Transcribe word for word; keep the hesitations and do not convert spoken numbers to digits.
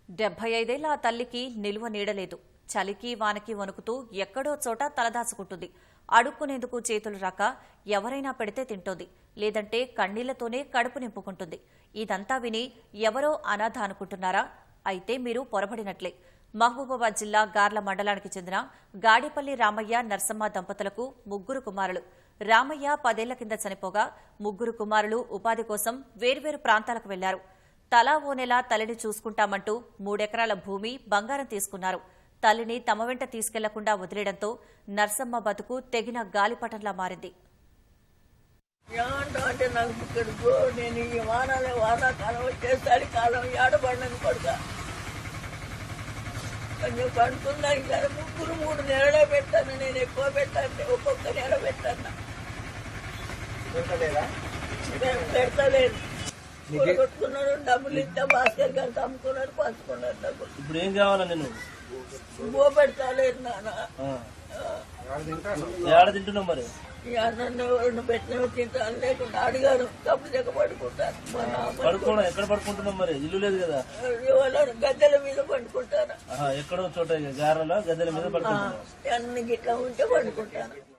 డెబ్బై ఐదేళ్ల ఆ తల్లికి నిలువ నీడలేదు. చలికి వానకి వణుకుతూ ఎక్కడో చోట తలదాచుకుంటుంది. అడుక్కునేందుకు చేతులు రాక ఎవరైనా పెడితే తింటోంది, లేదంటే కన్నీళ్లతోనే కడుపు నింపుకుంటుంది. ఇదంతా విని ఎవరో అనాథ అనుకుంటున్నారా? అయితే మీరు పొరబడినట్లే. మహబూబాబాద్ జిల్లా గార్ల మండలానికి చెందిన గాడిపల్లి రామయ్య నర్సమ్మ దంపతులకు ముగ్గురు కుమారులు. రామయ్య పదేళ్ల కింద చనిపోగా ముగ్గురు కుమారులు ఉపాధి కోసం వేర్వేరు ప్రాంతాలకు వెళ్లారు. తలా ఓ నెల తల్లిని చూసుకుంటామంటూ మూడెకరాల భూమి, బంగారం తీసుకున్నారు. తల్లిని తమ వెంట తీసుకెళ్లకుండా వదిలేయడంతో నర్సమ్మ బతుకు తెగిన గాలిపటంలా మారింది. అంటే నాకు ఇక్కడికో నేను ఈ వానాలే వానాకాలం వచ్చేసరి కాలం ఏడబడినది కొడుక కొంచెం పడుతుందని సరే ముగ్గురు మూడు నెలలే పెట్టాను. నేను ఎక్కువ పెట్టాను, ఒక్కొక్క నెల పెట్టాను. పెడతలేదు. కొట్టుకున్నాడు, డబ్బులు ఇస్తే భాస్కర్ గారికి అమ్ముకున్నాడు, పంచుకున్నాడు డబ్బులు. ఇప్పుడు ఏం కావాలా? నేను బో పెడతలేదు నాన్న. ఏడ తింటున్నావు మరి? ఈ అన్నం పెట్టిన తింటాను, లేకుండా అడిగాను డబ్బులు చెక్క పడుకుంటాను. పడుకోవడం ఎక్కడ పడుకుంటున్నావు మరి? ఇల్లు లేదు కదా? గద్దెల మీద పండుకుంటాను. ఎక్కడో చోట గారెలో గద్దెల మీద పడుకుంటున్నావు? అన్ని గిట్లా ఉంటే పండుకుంటాను.